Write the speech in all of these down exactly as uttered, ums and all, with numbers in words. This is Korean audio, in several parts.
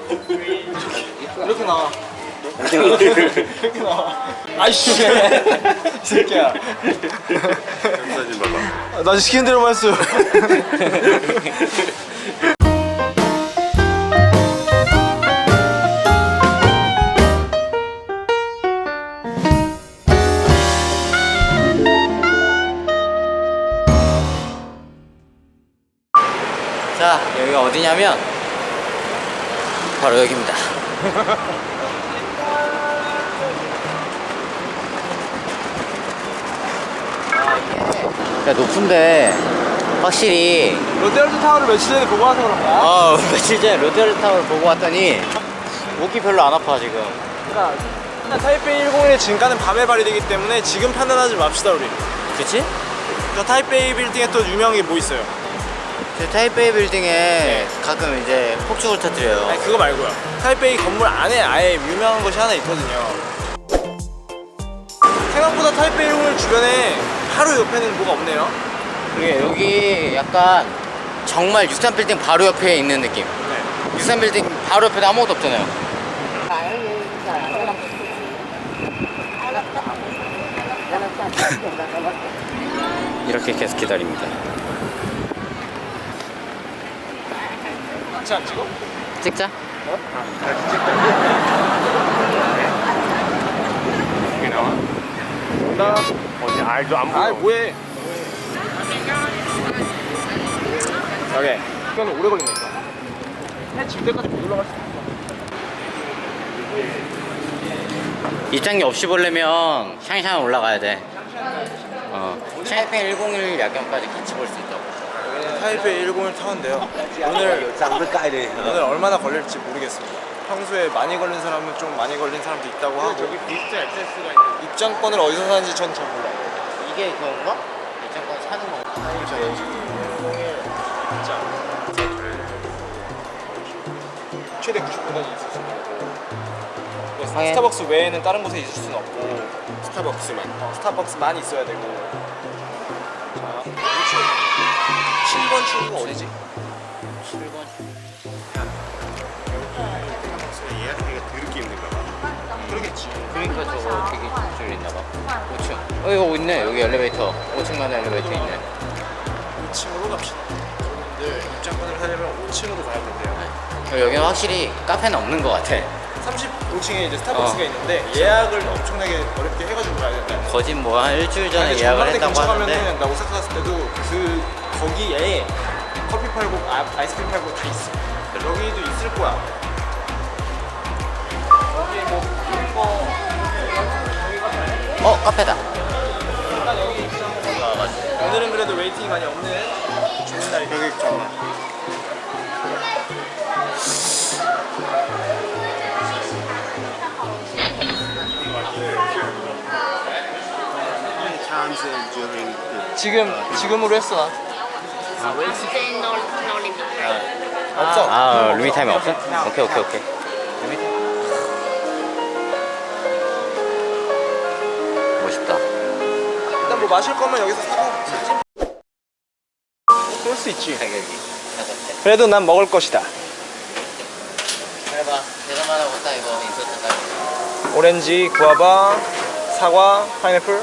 이렇게 나와. 이렇게 나와. 아이씨. 이 새끼야. 사진 봐봐. 나 시키는 대로만 했어요. 자, 여기가 어디냐면 바로 여기입니다. 야, 높은데 확실히 롯데월드 타워를 며칠 전에 보고 와서 그런가? 아 며칠 전에 롯데월드 타워를 보고 왔더니 목이 별로 안 아파 지금. 그러니까 타이페이 일공일의 진가는 밤에 발휘되기 때문에 지금 판단하지 맙시다 우리. 그치? 저 타이페이 빌딩에 또 유명한 게 뭐 있어요? 저 타이베이 빌딩에 가끔 이제 폭죽을 터뜨려요. 아니 그거 말고요. 타이페이 건물 안에 아예 유명한 것이 하나 있거든요. 생각보다 타이페이 일공일 주변에 바로 옆에는 뭐가 없네요. 그게 여기 약간 정말 육삼 빌딩 바로 옆에 있는 느낌. 네. 육삼 빌딩 바로 옆에도 아무것도 없잖아요. 이렇게 계속 기다립니다. 같이 안 찍어? 찍자. 이게 나와? 나 어디 알도 안 보여. 아 뭐해? 오케이. 이거는 오래 걸린다니까. 해질 때까지 못 올라갈 수 있어. 입장료 없이 보려면 샹샹 올라가야 돼. 어, 타이페이 일공일 야경까지 같이 볼 수 있다고. 여기는 타이페이 일공일 타워인데요. 오늘 오늘 얼마나 걸릴지 모르겠습니다. 평소에 많이 걸린 사람은 좀 많이 걸린 사람도 있다고 하고. 저기 비스트 액세스가 있는. 입장권을 어디서 사는지 전 잘 몰라요. 이게 그건가? 입장권 사는 거. 그렇죠. 일공일 입장. 최대 구십 분까지 있을 수 있고. 확인. 스타벅스 외에는 다른 곳에 있을 수는 없고. 스타벅스만. 어, 스타벅스만 있어야 되고. 자, 칠 번 출구가 어디지? 칠 번. 스타벅스 예약하기가 더럽게 힘든가 봐. 그러겠지. 그러니까 저거 되게 줄 있나 봐. 오 층. 어 이거 있네. 여기 엘리베이터. 오 층 가는 엘리베이터 있네. 오 층으로 갑시다. 여러분들 입장권을 사려면 오 층으로 가야 된대요. 어, 여기는 확실히 카페는 없는 것 같아. 삼십오 층에 이제 스타벅스가 어. 있는데 예약을 엄청나게 어렵게 해가지고 가야 된다. 거짓 뭐 한 일주일 전에 아니, 예약을 전망대 했다고 근처 하는데 가면은 나 오사카 갔을 때도 그 거기에 커피 팔고 아, 아이스크림 팔고 다 있어. 여기도 있을 거야. 여기 뭐 이거 어 카페다. 일단 여기 입장. 아 맞아. 오늘은 그래도 웨이팅이 많이 없는 좋은 날이. 여기 잠깐만. Times during the 지금 지금으로 했어. 나. Wednesday no no limit. 없어. 아 루미 타임 없어? 오케이 오케이 오케이. 멋있다. 일단 뭐 마실 거면 여기서 사고 사지. 그럴 수 있지. 가격이. 그래도 난 먹을 것이다. 그래봐. 대단하다 못다 이거 인서트 따. 오렌지, 구아바, 사과, 파인애플.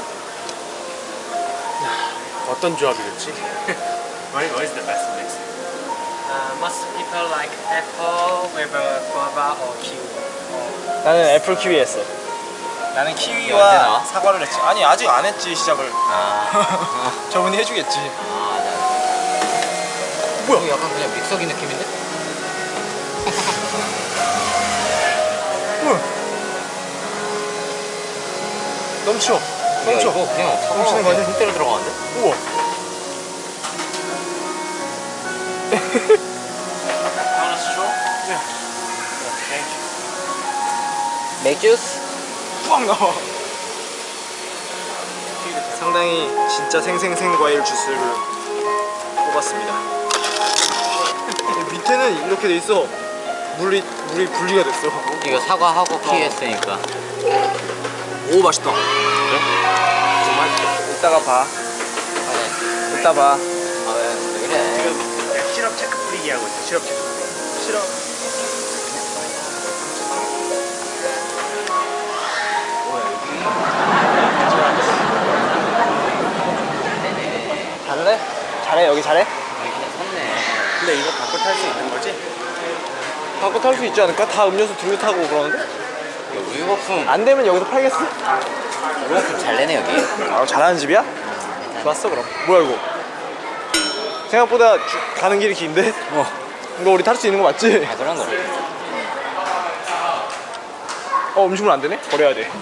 어떤 조합이겠지? What what is the best mix? Uh, most people like apple with a guava or kiwi. 나는 애플 키위 했어. 나는 언제 키위와 나와? 사과를 했지. 아니 아직 안 했지 시작을. 아. 저분이 해주겠지. 아, 나. 뭐야? 이거 약간 그냥 믹서기 느낌인데? 뭐야? 넘쳐. 야, 넘쳐. 이거 그냥 넘치는 거 아니야? 흑대로 들어가는데? 우와. Want a straw? 맥주스? 푸앙 나와. 상당히 진짜 생생생 과일 주스를 뽑았습니다. 밑에는 이렇게 돼 있어. 물이 물이 분리가 됐어. 이거 사과하고 키위 했으니까. 오 맛있다. 그래? 정말 이따가 봐. 아, 네. 이따 봐. 아, 왜, 왜 그래? 지금 시럽 체크 뿌리기 하고 있어. 시럽 체크 뿌리기. 싫어. 잘해 여기 잘해? 샀네. 근데 이거 바꿔 탈 수 있는 거지? 바꿔 탈 수 있지 않을까? 다 음료수 들고 타고 그러는데? 우유 거품. 안 되면 여기서 팔겠어? 우유 거품 잘 내네 여기. 아 잘하는 집이야? 좋았어 그럼. 뭐야 이거? 생각보다 주- 가는 길이 긴데? 어. 이거 우리 탈 수 있는 거 맞지? 아 그런 거. 어 음식물 안 되네? 버려야 돼.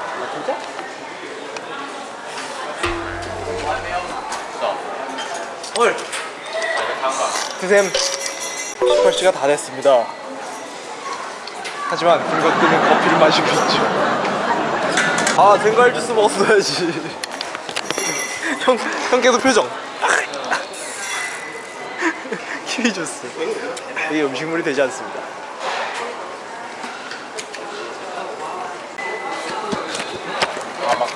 헐. 드셈 십팔 시가 다 됐습니다. 하지만 굶것들은 커피를 마시고 있죠. 아 덴갈 주스 먹었어야지. 형, 형 계속 표정. 키위 주스. 이게 음식물이 되지 않습니다. 아, 막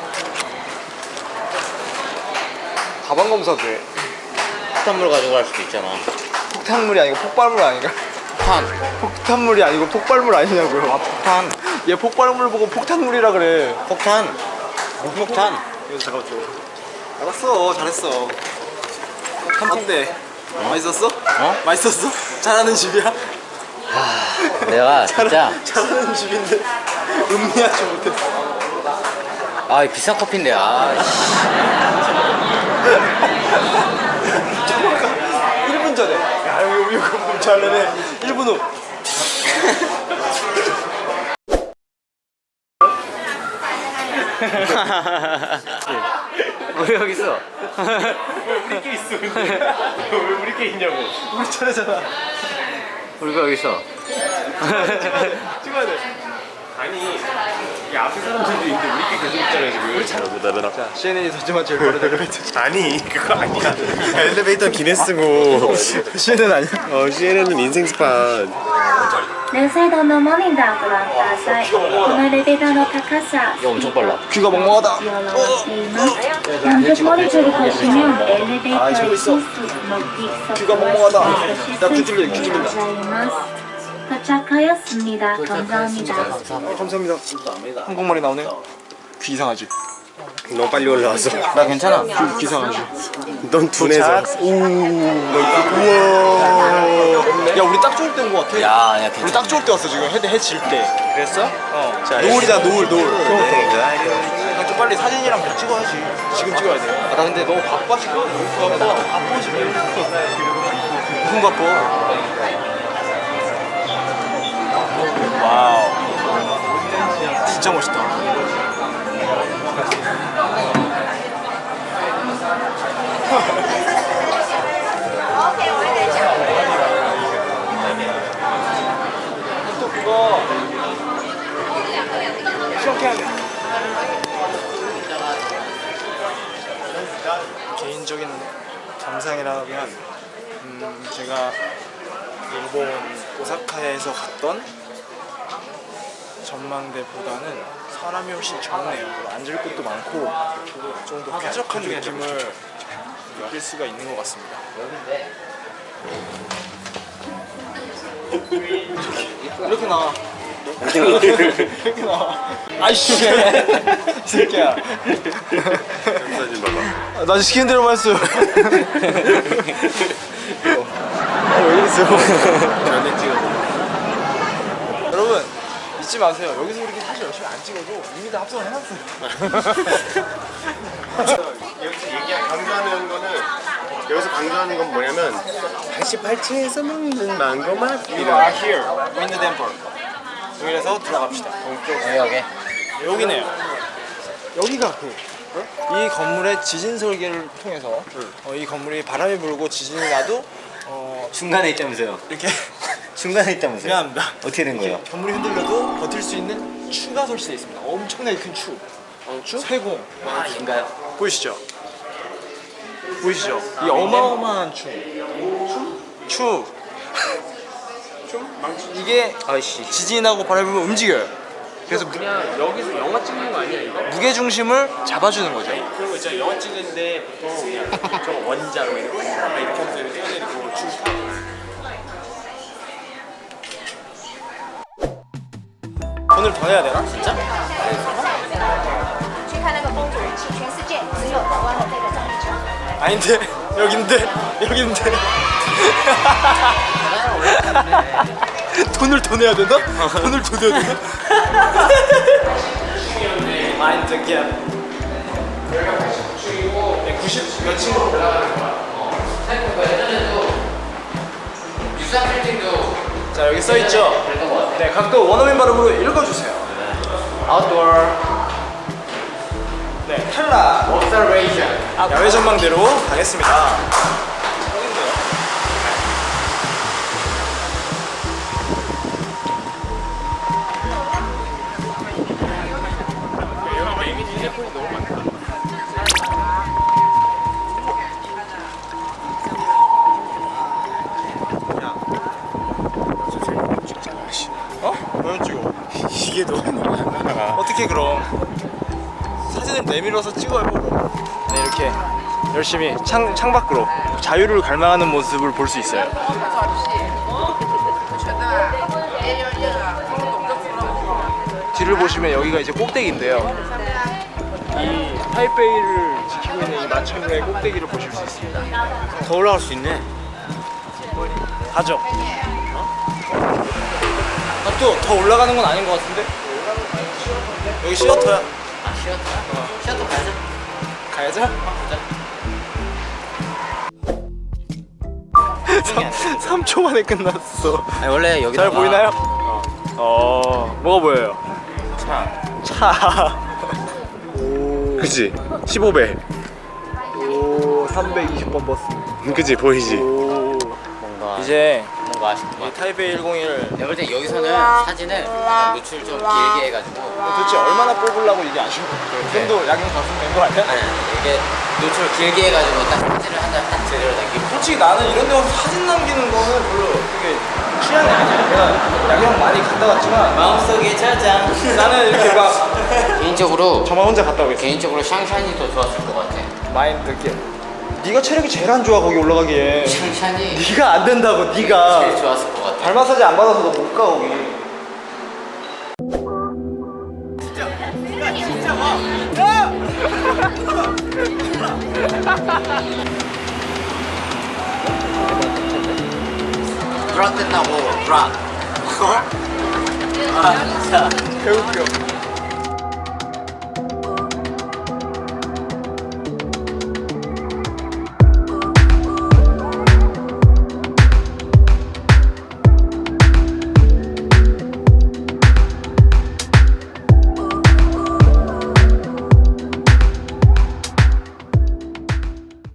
가방 검사도 해. 폭탄물 가져갈 수도 있잖아. 폭탄물이 아니고 폭발물 아닌가? 폭탄. 폭탄물이 아니고 폭발물 아니냐고요. 아 폭탄. 얘 폭발물 보고 폭탄물이라 그래. 폭탄. 폭탄. 이거 잠깐만 줘. 알았어, 잘했어. 탐통대. 맛있었어? 어? 맛있었어? 잘하는 집이야? 내가 진짜 잘하는 집인데 음미하지 못했어. 아 이 비싼 커피인데 아 씨. 일 분 전에. 야, 여기 우유 거품 잘내네. 일 분 후. 왜 여기 있어? 우리끼리 있어 근데 왜 우리끼리 있냐고. 우리 차례잖아. 우리가 여기 있어. 찍어야 돼. 아니 이 앞에 사람들도 있는데 우리끼리 계속 있잖아 지금. 우리 잘. 자, 씨엔엔이 던지만 제일 빠른 엘리베이터. 아니 그거 아니야. 엘리베이터 기네스고. 씨엔엔 아니야? 어 씨엔엔은 인생 스판. 両サイドのモニターご覧ください。このエレベーターの高さ、 이거 엄청 빨라. 귀가 멍멍하다. を表しています。연속 모니터를 보시면 엘리베이터의 실수, 목적 귀가 멍멍하다. 나 귀 뚫려, 귀 뚫린다. 도착하였습니다. 감사합니다. 감사합니다. 한국말이 나오네. 귀 이상하지? 너무 빨리 올라왔어. 나 괜찮아. 귀 이상하지? 넌 둔해서. 오, 우와. 야, 우리 딱 좋을 때인 것 같아. 야 아니야 우리 괜찮아. 딱 좋을 때 왔어 지금. 해, 해질 때. 그랬어? 어. 자, 노을이다 노을 노을. 네. 좀 빨리 사진이랑 같이 찍어야지. 지금 찍어야 돼. 아, 나 근데 너무 바빠 지금. 바빠 바빠 지금. 무슨 바빠? 와우. 진짜 멋있다. 또 그거 이렇게 하면 개인적인 감상이라면 음, 제가 일본 오사카에서 갔던 전망대보다는 사람이 훨씬 적네요. 앉을 곳도 많고 좀 더 쾌적한 느낌을 느낄 수가 있는 것 같습니다. 이렇게 나와. 이렇게 나와. 아이씨, 이 새끼야. 사진 봐봐. 아, 나 시키는 대로만 했어요. 아, 왜 그랬어요? 전에 찍어. 여러분 잊지 마세요. 여기서 이렇게 사실 열심히 안 찍어도 이미 다 합성을 해놨어요. 여기서 얘기한 강조하는 거는 여기서 강조하는 건 뭐냐면 팔십팔 층에서 먹는 망고 맛. We are here in the temple. 여기서 들어갑시다. 여기 여기. 여기네요. 여기가 그. 이 건물의 지진 설계를 통해서 어, 이 건물이 바람이 불고 지진이 나도 어, 중간에 있다면서요. 이렇게 중간에 있다면서요. 미안합니다. 어떻게 된 거예요? 건물이 흔들려도 버틸 수 있는 추가 설치되어 있습니다. 엄청나게 큰 추. 어, 추? 세공. 아 인가요? 보이시죠? 보이시죠? 이 어마어마한 추. 추. 추? 이게 아이씨. 지진이 나고 바람이 불면 움직여요. 그래서 그냥 여기서 영화 찍는 거 아니야 이거? 무게 중심을 잡아주는 거죠. 그런 거 있잖아 영화 찍는데 보통 그냥 저 원자로 이렇게 이렇게 하면서 이렇게 떼어내리고 줄 돈을 더 내야 되나? 진짜? 去看那个风主人气，全世界只有台湾的这个长椅车。 아닌데 여긴데 여긴데 돈을 더 내야 되나? 돈을 더 내야 되나? 마인드 갭 구십 몇 층으로 올라가는 거야. 유사 빌딩도 자 여기 써있죠? 그랬던 것 같아. 네 각도 원어민 발음으로 읽어주세요. Outdoor 네 탈락 observation. 야외 전망대로 가겠습니다. 어? 왜 찍어? 이게 너무 많아. 어떻게 그럼 사진을 내밀어서 찍어요. 네 이렇게 열심히 창, 창밖으로 자유를 갈망하는 모습을 볼 수 있어요. 뒤를 보시면 여기가 이제 꼭대기인데요. 이 타이베이를 지키고 있는 이 마천루의 꼭대기를 보실 수 있습니다. 더 올라갈 수 있네. 가죠. 아, 또 더 올라가는 건 아닌 것 같은데? 여기 시어터야. 아 시어터. 시어터 가자. 가야죠? 삼 초 만에 끝났어. 아니, 원래 여기 잘 보이나요? 어, 뭐가 보여요? 차. 차. 그치? 십오 배. 오, 삼백이십 번 버스. 그치? 보이지? 오. 뭔가 이제 뭔가 아쉽다. 이 타이베이 일공일 내가 볼 때 여기서는 사진을 약간 노출 좀 길게 해가지고 도대체 얼마나 뽑으려고 이게 아쉬워? 이 정도 야경 갔으면 된 거 아니야? 아니 아니 이게 노출 길게 해가지고 딱 사진을 한 장 딱 제대로 남기고 솔직히 나는 이런 데 와서 사진 남기는 거는 별로 그게 취향이 아니야. 내가 야경 많이 갔다 왔지만 마음속에 저장. 나는 이렇게 막 개인적으로 저만 혼자 갔다 오겠어. 개인적으로 샹샨이 더 좋았을 것 같아. 마인드 게 네가 체력이 제일 안 좋아 거기 올라가기에. 샹샨이 네가 안 된다고 네가. 제일 좋았을 것 같아. 발 마사지 안 받아서 너 못 가 거기. 드랍 됐다고 드랍. 아 진짜. 개웃겨.